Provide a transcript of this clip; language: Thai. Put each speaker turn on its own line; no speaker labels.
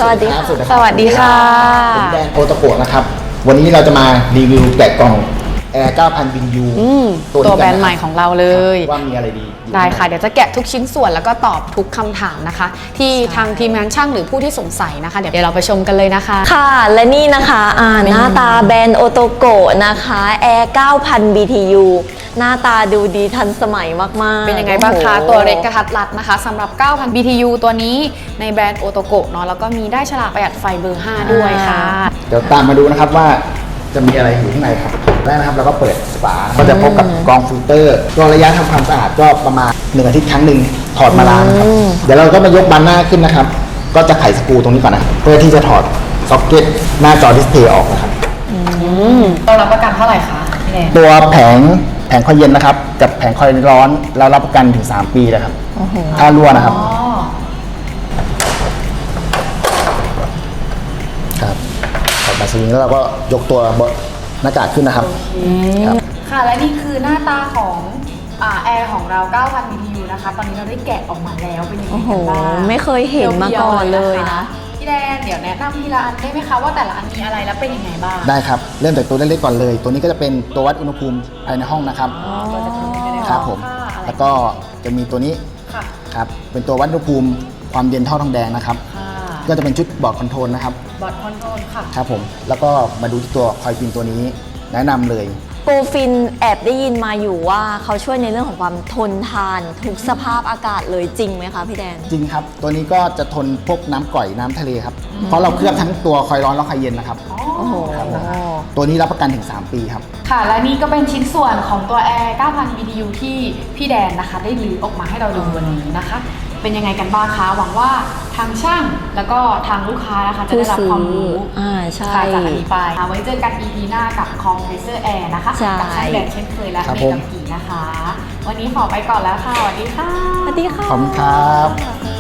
สวัสดีค่ะ
สวัสดีค่ะผมแดนโอตะโกะนะครับวันนี้เราจะมารีวิวแกะกล่องแอร์ 9,000 วินยู
ตัวแบรนด์ใหม่ของเราเลย
ว่ามีอะไรดี
ได้ค่ะเดี๋ยวจะแกะทุกชิ้นส่วนแล้วก็ตอบทุกคำถามนะคะที่ทางทีมงานช่างหรือผู้ที่สงสัยนะคะเดี๋ยวเราไปชมกันเลยนะคะ
ค่ะและนี่นะคะหน้าตาแบรนด์โอโตโกะนะคะแอร์ 9,000 BTU หน้าตาดูดีทันสมัยมากๆ
เป็นยังไงบ้างคะตัวเล็กกระทัดรัดนะคะสำหรับ 9,000 BTU ตัวนี้ในแบรนด์โอโตโกะเนาะแล้วก็มีได้ฉลากประหยัดไฟเบอร์ 5 ด้วยค่ะ
เดี๋ยวตามมาดูนะครับว่าจะมีอะไรอยู่ข้างในครับแรกนะครับเราก็เปิดฝาก็จะพบกับกรองฟิลเตอร์ก็ระยะทำความสะอาดก็ประมาณ1 อาทิตย์ครั้งหนึ่งถอดมาล้างครับเดี๋ยวเราก็มายกบานหน้าขึ้นนะครับก็จะไขสกรูตรงนี้ก่อนนะเพื่อที่จะถอดซ็อกเก็ตหน้าจอดิสเพย์ออกนะครับ
เรารับประกันเท่าไหร่คะพี่แนน
ตัวแผงคอยเย็นนะครับกับแผงคอยร้อนเรารับประกันถึง3 ปีเลยครับถ้ารั่วนะครับครับถอดมาซีแล้วเราก็ยกตัวหน้ากากขึ้นนะครับ
ค่ะและนี่คือหน้าตาของแอร์ของเรา 9,000 BTU นะคะตอนนี้เราได้แกะออกมาแล้วเป็นยังไงกันบ้าง
ไม่เคยเห็นมาก่อนเลยนะ
พี่แดนเดี๋ยวแนะนำทีละอันได้ไหมคะว่าแต่ละอันมีอะไรแล้วเป็นยังไงบ้าง
ได้ครับเริ่มจากตัวเล็กๆก่อนเลยตัวนี้ก็จะเป็นตัววัดอุณหภูมิภายในห้องนะครับครับผมแล้วก็จะมีตัวนี้ครับเป็นตัววัดอุณหภูมิความเย็นท่อทองแดงนะครับก็จะเป็นชุดบอร์ดคอนโทรลนะครับ
บอร์ดคอนโทรลค่ะ
ครับผมแล้วก็มาดูที่ตัวคอยฟินตัวนี้แนะนำเลย
โกฟินแอบได้ยินมาอยู่ว่าเขาช่วยในเรื่องของความทนทานทุกสภาพอากาศเลยจริงไหมคะพี่แดน
จริงครับตัวนี้ก็จะทนพวกน้ำก่อยน้ำทะเลครับเพราะเราเคลือบทั้งตัวคอยร้อนและคอยเย็นนะครับตัวนี้รับประกันถึง3 ปีครับ
ค่ะและนี่ก็เป็นชิ้นส่วนของตัวแอร์ 9,000 BTU ที่พี่แดนนะคะได้รื้อออกมาให้เราดูวันนี้นะคะเป็นยังไงกันบ้างคะหวังว่าทางช่างแล้วก็ทางลูกค้านะคะจะได้รับความรู้จากอันนี้ไปไว้เจอกัน EP หน้ากับคอมเพรสเซอร์แอร์นะคะกับช่างแดนเช่นเคยและเมกัมกีนะคะวันนี้ขอไปก่อนแล้วค่ะสวัสดีค่ะ
สวัสดีค่ะ
ขอบคุณครับ